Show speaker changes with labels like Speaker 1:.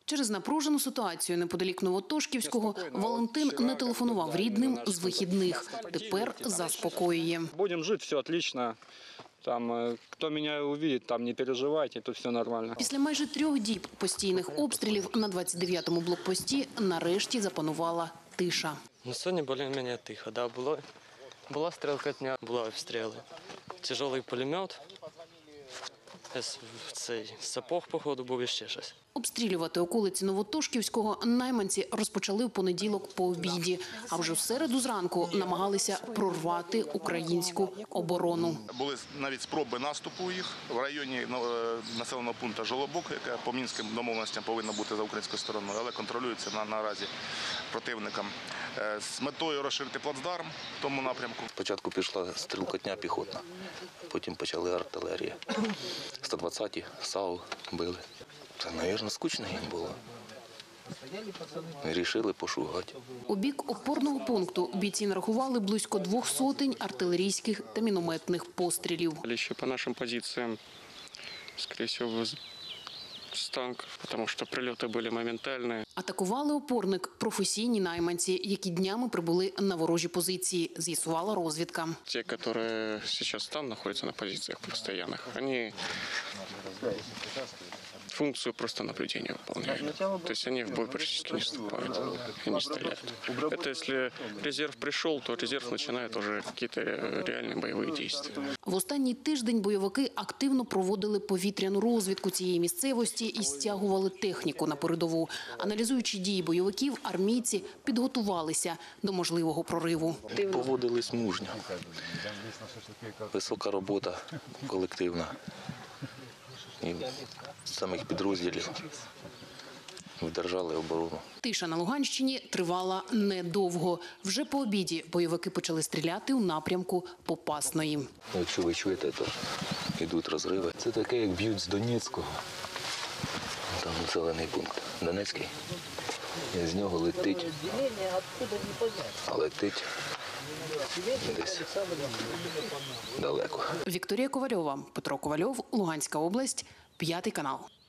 Speaker 1: Через напружену ситуацію неподалік Новотошківського Валентин не телефонував рідним з вихідних. Тепер заспокоює.
Speaker 2: Будемо жити, все отлично. Там, хто мене увидить, там не переживайте, тут все нормально.
Speaker 1: Після майже 3 діб постійних обстрілів на 29-му блокпості нарешті запанувала тиша.
Speaker 3: Сьогодні більш-менш тихо. Да, була стрілкотня, були обстріли. Тяжелий пулемет, цей сапог, походу, був і ще щось.
Speaker 1: Обстрілювати околиці Новотошківського найманці розпочали в понеділок по обіді, а вже в середу зранку намагалися прорвати українську оборону.
Speaker 4: Були навіть спроби наступу їх в районі населеного пункту Жолобок, яка по мінським домовленостям повинна бути за українською стороною, але контролюється наразі противником. З метою розширити плацдарм в тому напрямку.
Speaker 5: Спочатку пішла стрілкотня піхотна, потім почали артилерія. 120-ті САУ били. Це, мабуть, скучно їм було. Рішили пошугати.
Speaker 1: У бік опорного пункту бійці нарахували близько 200 артилерійських та мінометних пострілів.
Speaker 2: Ще по нашим позиціям, скоріше всього, з танків, тому що прильоти були моментальні.
Speaker 1: Атакували опорник професійні найманці, які днями прибули на ворожі позиції, з'ясувала розвідка.
Speaker 2: Ті, які зараз там знаходяться на позиціях постійних, вони функцию просто наблюдения выполняют. То есть они в бой практически не вступают и не стреляют. Это если резерв пришел, то резерв начинает уже какие-то реальные боевые действия.
Speaker 1: В останній тиждень бойовики активно проводили повітряну розвідку цієї місцевості і стягували техніку на передову. Аналізуючи дії бойовиків, армійці підготувалися до можливого прориву.
Speaker 5: Поводились мужньо. Висока робота колективна. І самих підрозділів вдержали оборону.
Speaker 1: Тиша на Луганщині тривала недовго. Вже по обіді бойовики почали стріляти у напрямку Попасної.
Speaker 5: Якщо ви чуєте, то йдуть розриви. Це таке, як б'ють з Донецького. Там населений пункт Донецький. І з нього летить. А летить десь далеко.
Speaker 1: Вікторія Ковальова, Петро Ковальов, Луганська область, 5 канал.